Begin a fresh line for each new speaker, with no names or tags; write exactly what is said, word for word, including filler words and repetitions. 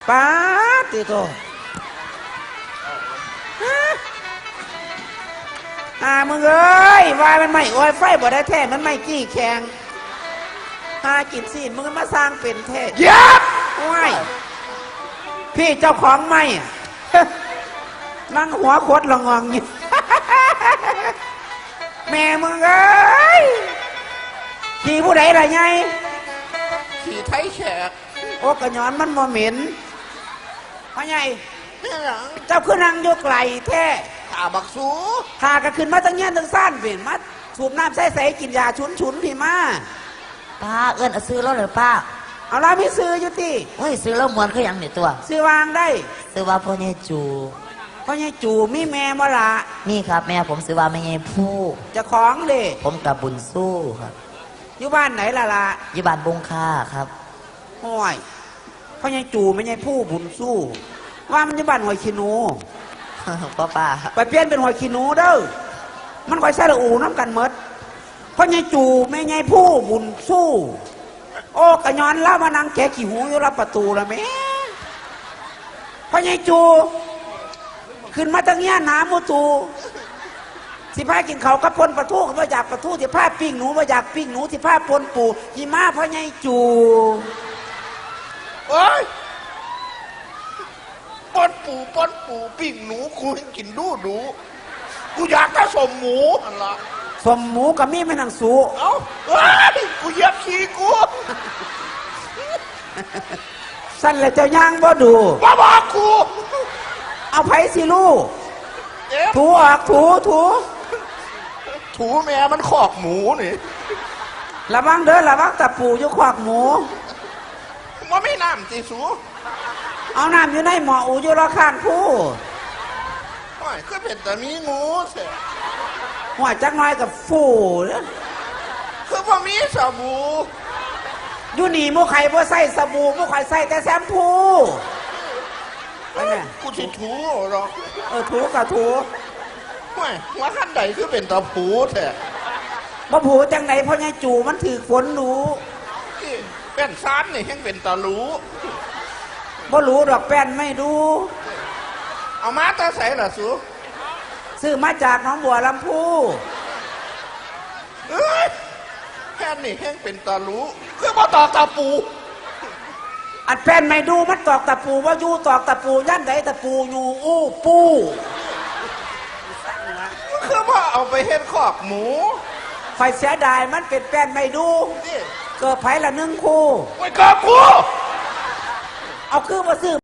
ป้าติโตอ่ามึงเอ้ยวายมันไม่โอ้ยไฟบ่ได้แท้มันไม่กี้แข็งหากินสิมึงมาสร้างเป็นแท้ยับว้ายพี่เจ้าของไม่นั่งหัวโคตรละงองอยู่ แม่มึงเอ้ยขี่ผู้ใดล่ะไง
ขี่ไทยแขก
โอ้กระยอนมันบ่เหม็นพ่อใหญ่
เนี่ยหลัง
เจ้าขึ้นนั่งยกไหลแท้
ขาบักสู
หากระขึ้นมาตั้งเงี้ยตั้งซ่านเปลี่ยนมาสูบน้ำใส่ใส่กินยาฉุนฉุนพี่มา
ป้าเอิญเอาซื้อแล้วหรือป้า
เอาละไม่ซื้ออยู่ที่
เฮ้ยซื้อแล้วมวนคืออย่างนี่ตัว
ซื้อวางได้
ซื้อว่าพ่อใหญ่จู
พ่อใหญ่จูมีแม่บ่ละ
นี่ครับแม่ผมซื้อว่าแม่ใหญ่ผู้
จะของเด้
ผมกับบุญสู้ครับ
อยู่บ้านไหนล่ะล่ะ
อยู่บ้านบงค่าครับ
ห้อยพ่อใหญ่จูไม่ใช่ผู้บุญสู้ว่ามันอยู่บ้านหอยขี้หนู
ป้าป้า
ไปเปลี่ยนเป็นหอยขี้หนูเด้อมันคอยใส่ละอูน้ำกันเมดพ่อใหญ่จูไม่ใช่ผู้บุญสู้โอ้กระยอนเล่ามานั่งแกะขี้หูอยู่รับประตูละแม่พ่อใหญ่จูขึ้นมาตั้งเงี้ยน้ำมูตูสิพากินเขากับปนปลาทูก็มาอยากปลาทูสิพาปิ้งหนูมาอยากปิ้งหนูสิพาปนปูหิมะพ่อใหญ่จู
โอ้ยปนปูปนปูปิ้งหนูกูกินดูดูกูอยากได้สมหมูอันละ
สมหมูกับมีไม่นังสู
เอ้าเฮ้ยกูเหยียบขี้กู
สั้นแล้วเจ้าย่างบ่ดู
บ้าบ้ากู
เอาไผ่สิลูกถูออกถูถู
ถูแม่มันขอกหมูนี่
ระวังเด้อระวังตะปูอยู่ขวากหมู
ว่าไม่น้ำจีสู
เอาน้ำอยู่ในหม้ออูอยู่รอข้างผู้
โอ้ยก็เป็นแต่มีงูเสีย
หัวจักน้อยกับฟูเนี่ย
คือพอมีสบู่
อยู่นี่มูไข่บ่ใส่สบู่มูไข่ใส่แต่แชมพูไปแม่
กูจะถูหรอก
เออถูกับถู
ไม่ว่าขั้นใดคือเป็นตะผูแท้
บ่ผูจังไหนเพราะไงจู่มันถือฝนรู้
เป็นซานนี่ยังเป็นตะรู้
บ่รู้ดอกแป้นไม่ดู
เอามาตาใส่ล่ะสู
ซื้อมาจากน้องบัวลำพู
เอ้ยแป้นนี่ยังเป็นตะรู้คือมาตอกตะปู
อันแป้นไม่ดูมันตอกตะปูว่าอยู่ตอกตะปูย่ำไหนตะปูอยู่อู้ปู
คือว่าเอาไปเฮ็ดขอกหมู
ไฟเสียดายมันเป็นแป้นไม่ดูเกิดไผ่ละหนึ่งคู่
ไว้กับกู
เอาคือมาซื้อ